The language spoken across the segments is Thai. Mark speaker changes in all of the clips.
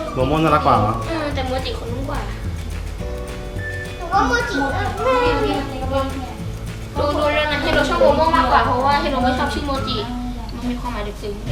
Speaker 1: โมโม่น่ารักกว่าเหรอ
Speaker 2: แต่โมจิคนนุ่มกว่า
Speaker 3: หนูว่าโมจิน่ารัก
Speaker 2: ดูแล้วนะให้เราชอบโมโม่มากกว่าเพราะว่าให้เราไม่ชอบชื่อโมจิมันมีความหมายลึกซึ้ง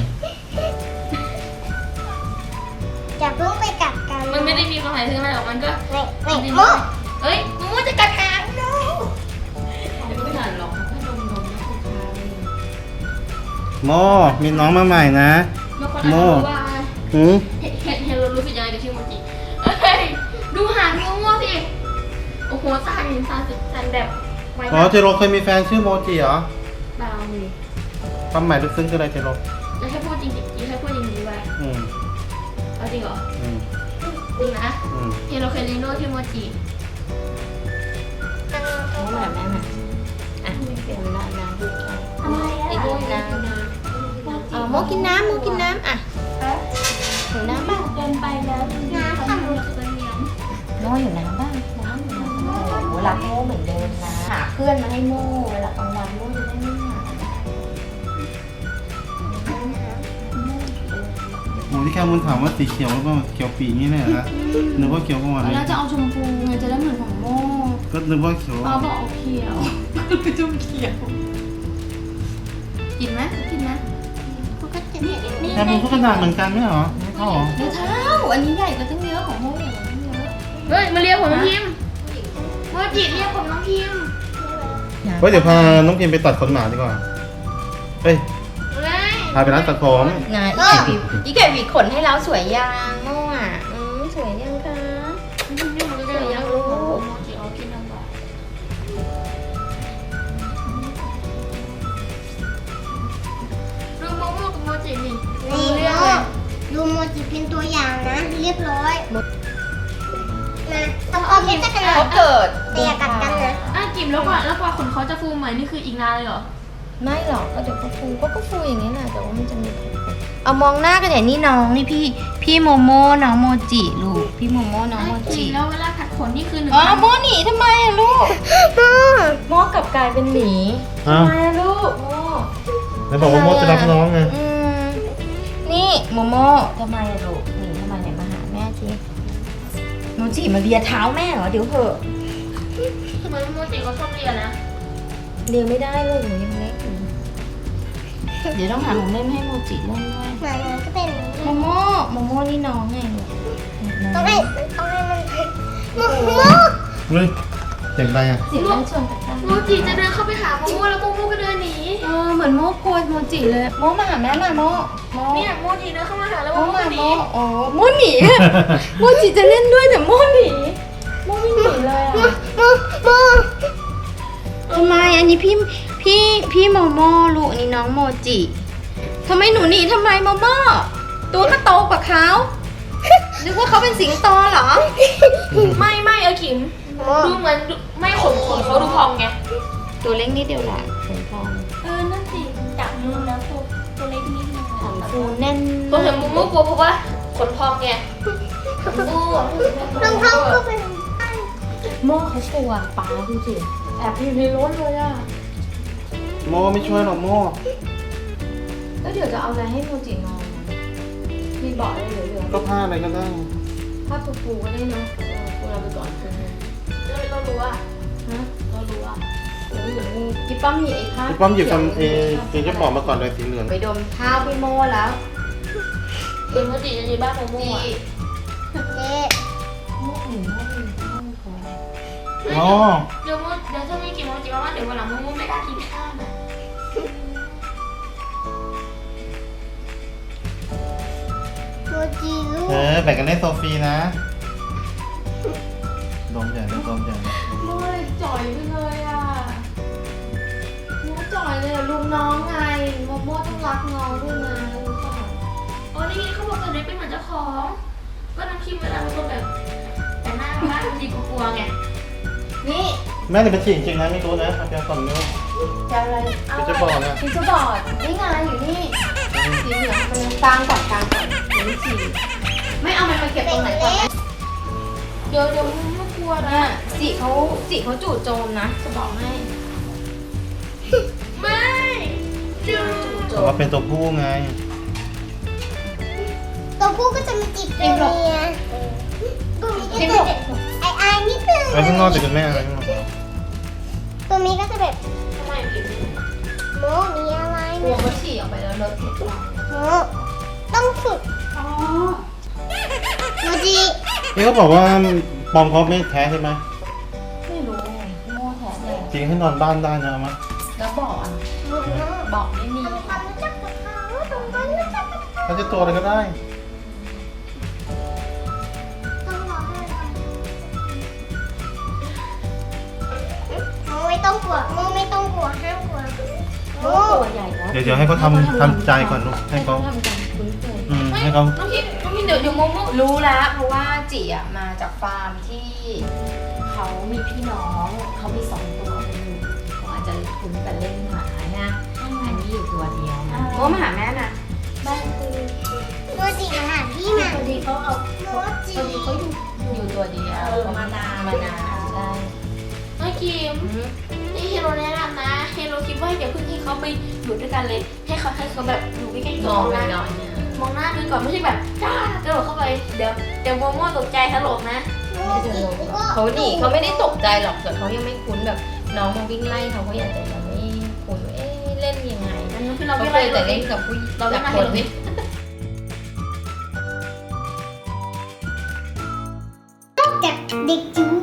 Speaker 3: อย่าเพิ่งไปกัดกัน
Speaker 2: มันไม่ได้มีความหมายลึกซึ้งอะไรหรอกมันก็
Speaker 3: ไม่โม
Speaker 2: เอ้ยโมโม่จะกัดหาง
Speaker 4: ไม่นานหรอกแค่นมนะคุณชาย
Speaker 1: โมมีน้องมาใหม่นะ
Speaker 2: บางคนอาจจะรู้ว่า
Speaker 1: หืม
Speaker 2: เห็นเรารู้สึกยังไงกับชื่อโมจิเอ้ยดูหางโมโม่สิโอ้โหสั่นแบบไว
Speaker 1: อ๋อ
Speaker 2: มาก
Speaker 1: เจโรเคยมีแฟนชื่อโมจิเหรอ
Speaker 2: เบาเลย
Speaker 1: ความหมายลึกซึ้งคืออะไรเจโร
Speaker 2: แล้วให้พูดจริงๆให้พูดจริงๆไว้
Speaker 1: อืม
Speaker 2: เอาจริงเหรอ
Speaker 1: อืม
Speaker 2: จริงนะ
Speaker 1: อืม
Speaker 2: เห็นเราเคยเรียนรู้ชื่อโมจิ
Speaker 4: น้องแบบแม่มาอ่ะเป็นน้ำดูใช่
Speaker 3: ทำไม
Speaker 4: อีก
Speaker 3: อ่ะ
Speaker 4: ด้วยน้ำโมกินน้ำโมกินน้ำอ่ะหิวน้ำบ้าง
Speaker 2: เดินไปแล้ว
Speaker 3: น้ำค่ะ
Speaker 2: มันจะเป็นเหนียว
Speaker 4: โมอยู่น้ำบ้างน้ำอยู่น้ำโมรักโมเหมือนเดิมนะหาเพื่อนมาให้โมเวลากลางวันโมจะได้ไม่เหงา
Speaker 1: โมที่แค่มุนถามว่าสีเขียวหรือเปล่าเขียวปีนี่เลยนะนึกว่าเขียวก่อน
Speaker 2: ตอน
Speaker 1: เลย
Speaker 2: แรกจะเอาชมพูไงจะได้เหมือนของโม่
Speaker 1: ก็นึกว่าเขียว
Speaker 2: ป้าบอกเอาเขียวก็เลยจุ่มเขียว กินไหมกินไหม
Speaker 3: มันก็จะเนี่ยนี่
Speaker 1: แต่มันก็กระดาษเหมือนกันไม่เหรอเท่าเหรอ
Speaker 4: เท้าอันนี้ใหญ่กว่าตั้งเยอะของโมใหญ่กว่าตั้งเยอะ
Speaker 2: เฮ้ยมาเรียกผมน้องพิมโมจิเรียกผมน้องพิม
Speaker 1: เฮ้ยเดี๋ยวพาน้องพิมไปตัดขนหมาดีกว่า เฮ้ย
Speaker 2: เฮ้ย
Speaker 1: พาไปร้านตัดผม
Speaker 4: นะอีแก่หวีขนให้เราสวยยังโมอ่ะสวยยังคะ
Speaker 2: นี่มันก็จะยังรู้โมจิเอากินน้ำหวานดูโมโม่กับโมจินี่
Speaker 3: นี่
Speaker 2: เรียก
Speaker 3: โม
Speaker 2: เลย
Speaker 3: ดูโมจิเป็นตัวอย่างนะ เรียบร้อยนะต้องเอาเพชรกันนะ
Speaker 4: เขาเกิด
Speaker 3: แต่อย่ากัดกันนะ
Speaker 2: อ่ะกิมแล้วกว่าขนเขาจะฟูใหม่นี่คืออีกนานเลยเหรอ
Speaker 4: ไม่หรอกก็เดี๋ยวก็ฟูก็ฟูอย่างนี้แหละแต่ว่ามันจะมีเอามองหน้ากันอย่างนี้น้องนี่พี่โมโม่น้องโมจิลูกพี่โมโม่น้องโมจิ
Speaker 2: แล้วเวลาขัดขนนี่คือหนึ่ง
Speaker 4: อ๋อโมหนีทำไมอะลูกโมกลับกลายเป็นหมี
Speaker 1: อ้าว
Speaker 4: ทำไมอะลูกโม
Speaker 1: แล้วบอกว่าโมจะรับน้องไง
Speaker 4: นี่โมโมทำไมอะลูกหนีทำไมเนี่ยมาหาแม่ทีโมจิมาเลียเท้าแม่เหรอเดี๋ยวเถอะ
Speaker 2: เหมือนโมจิเขาชอบเรียนนะ
Speaker 4: เลียไม่ได้ลูกหนูยังเล็กอยู่เดี๋ยวต้องหาของเล่นให้โมจิเล่นด้วย
Speaker 3: หมามันก็เป็น
Speaker 4: โมโมนี่น้องไงลูก
Speaker 3: ต้องให้มันโม
Speaker 1: เฮ้ยเสียงอะไรอ่ะ
Speaker 4: เสียงเล่นชวนกัน
Speaker 2: โมจิจะเดินเข้าไปหาโมโม่แล้วโมโม่ก็เดินหนี
Speaker 4: เหมือนโมกลัวโมจิเลยโมมาหาแม่มาโม
Speaker 2: เนี่ยโมจิเดินเข้ามาหาแล้ว
Speaker 4: โม
Speaker 2: โมโม่
Speaker 4: มา
Speaker 2: ก็ห
Speaker 4: โม
Speaker 2: นี
Speaker 4: โอ้โมหนีโมจิจะเล่นด้วยแต่โมหนีโมไม่หนีเลยอ่ะ
Speaker 3: โม
Speaker 4: ทำไมอันนี้พี่โมโมลูกอันนี้น้องโมจิทำไมหนูหนีทำไมโมโมตัวก็โตกว่าเขานึกว่าเขาเป็นสิงโตเหรอ
Speaker 2: ไม่เออขิมดูเหมือนไม่ขนเขาดูพองไง
Speaker 4: ตัวเล็กนิดเดียวแหละขนพอง
Speaker 2: นั่นสิจับมือแล้วตัวเล็กนิดนึง
Speaker 4: ขนฟูแน่น
Speaker 2: ตัวเห็นโมโม่กลัวเพราะว่าขนพองไงโม่
Speaker 3: รองเท้าก็เป็น
Speaker 4: โมเขากลัวป้าดูสิแอบอยู่ในรถเลยอ่ะ
Speaker 1: โมไม่ช่วยหรอกโม
Speaker 4: แล้วเดี๋ยวจะเอาอะไรให้โมจินอนมีเบาะอะไรเหลือ
Speaker 1: ก็ผ้าอะไรก็ได้
Speaker 4: ๆผ้าปูก็ได้เนาะปูเราไปก่อนคืนนึง
Speaker 2: เรารู้ว่า
Speaker 4: ฮะ
Speaker 2: เรารู้ว่า
Speaker 4: เดี๋ยวอยู่นี่กิ๊บป้อมมีไอ้ผ้า
Speaker 1: พี่ป้อมหยิบคำเจะบอกมาก่อนเลยสีเหลือง
Speaker 4: ไปดมเท้าพี่โมแล้ว
Speaker 2: เป็นโมจิจะดีบ้านโมโม่อะ
Speaker 3: เจ๊
Speaker 4: โมหนึ่งโมหนึ่งโมพอ
Speaker 1: อ๋อ
Speaker 2: เดี๋ยวถ้าไม่กินโมจิมาว่าเดี๋ยววันหลังโมโม่ไม่กล้ากินข้าวนะ
Speaker 3: โมจิลูก
Speaker 1: แบ่งกันเล่นโซฟีนะดมใหญ่เลยดมใหญ่เลย
Speaker 4: โมเลยจ่อยไปเลยอ่ะโมจ่อยเลยอ่ะลุงน้องไงโมต้องรักน้องด้วยนะรู้ป่ะ
Speaker 2: อ๋อนี่เขาบอกตัวเล็กเป็นเหมือนเจ้าของก็น้ำคิมเวลาเป็นคนแบบแต่หน้าบ้านบางทีกลัวไง
Speaker 4: นี่
Speaker 1: แม่จะเป็นฉี่จริงๆนะไม่รู้นะเอาเพียงก่อนนิ้ว
Speaker 4: จะอะไร
Speaker 1: เดี๋ยวจะบอกนะ
Speaker 4: พิซซ่าบอร์ดนี่ไงอยู่นี่สีเหลืองมันกลางก่อนเดี๋ยวฉี่ไม่เอามันมาเก็บตรงไหนก่อนนะ
Speaker 2: เดี๋ยวไม่กลัวนะ
Speaker 4: เนี่ยจิเขาจู่โจมนะจะบอกให้
Speaker 2: ไม่จู
Speaker 4: จู่โจ
Speaker 1: แต่
Speaker 4: ม
Speaker 1: ว่าเป็นตัวผู้ไง
Speaker 3: ตัวตัวผู้ก็จะมาจีบตัวเมียตัวนี้ก็จะแบบไอนิดนึง
Speaker 1: ไว้ข้างนอกแต่คุณแม่อะไรข้างนอก
Speaker 3: ตัวนี้ก็จะแบบ
Speaker 2: ทำไมผิด
Speaker 3: โมมีอะไร
Speaker 4: กลัว
Speaker 3: นะ
Speaker 4: เขาฉี่ออกไปแล้วเลอะเทอะเรา
Speaker 3: โมต้องฝึก
Speaker 4: อ๋อ
Speaker 3: โมจิ
Speaker 1: นี่เขาบอกว่าปอมเขาไม่แท้ใช่ไหม
Speaker 4: ไม่รู้โม่แท้แน่
Speaker 1: จริงให้นอนบ้านได้นะเอามา
Speaker 4: แล้วบอกอ่ะ
Speaker 3: โม
Speaker 4: บอกไม่มี
Speaker 3: ทำความรู้จักกับเขาตรงนั้นรู้จักกับเขา
Speaker 1: เขาจะตัวอะไรก็ได้
Speaker 3: ต้องรอให้เราโมไม่ต้องกลัวโมไม่ต้องกลัวห้ามกลัวโม
Speaker 4: ตัวใหญ่แล้ว
Speaker 1: เดี๋ยวให้เขาทำใจก่อนลูกให้เขา
Speaker 4: ทำใจคุ้นเคย
Speaker 1: ให้เขา
Speaker 2: น้องพี่เดี๋ยวโมโม่
Speaker 4: รู้แล้วเพราะว่าจิอ่ะมาจากฟาร์มที่เขามีพี่น้องเขามี2 ตัวอยู่เขาอาจจะคุ้นกันเล่นหมานะอันนี้อยู่ตัวเดียวนะโมมาหาแม่นะบ้านคือ
Speaker 3: โมจิมาหาพี่มา
Speaker 4: พอดีเขาเอา
Speaker 3: โมจิ
Speaker 4: พอดีเขาอยู่ตัวเดียวมานานใช่
Speaker 2: น้องคิมนี่เฮโร่แนะนำนะเฮโร่คิดว่าอย่าเพิ่งให้เขาไปอยู่ด้วยกันเลย ให้เขาแบบอยู่ใกล้ๆ
Speaker 4: ม
Speaker 2: ตั
Speaker 4: อ
Speaker 2: ว
Speaker 4: งไป
Speaker 2: นะ
Speaker 4: หน่อยเนี่ย
Speaker 2: มองหน้าดูก่อนไม่ใช่แบบจ้ากระโดดเข้าไปเดี๋ยวโมโม่ตกใจถลกนะ
Speaker 4: ไม่จะลงหรอกเขาหนีเขาไม่ได้ตกใจหรอกแต่เขายังไม่คุ้นแบบน้องมาวิ่งไล่เขาก็อยากจะยังไม่คุ้นว่าเอ๊ะเล่นยังไง
Speaker 2: อันนี้คือ
Speaker 4: เขา
Speaker 2: เราไม่
Speaker 4: เค
Speaker 2: ไร
Speaker 4: ย
Speaker 2: แต่
Speaker 4: แต่
Speaker 2: เล่
Speaker 4: เล่
Speaker 2: น
Speaker 4: นกับผู้หญิง
Speaker 2: เราเล่นมา
Speaker 4: ค
Speaker 2: เห็
Speaker 4: น
Speaker 2: นไหม
Speaker 3: จากเด็กจิ๋ว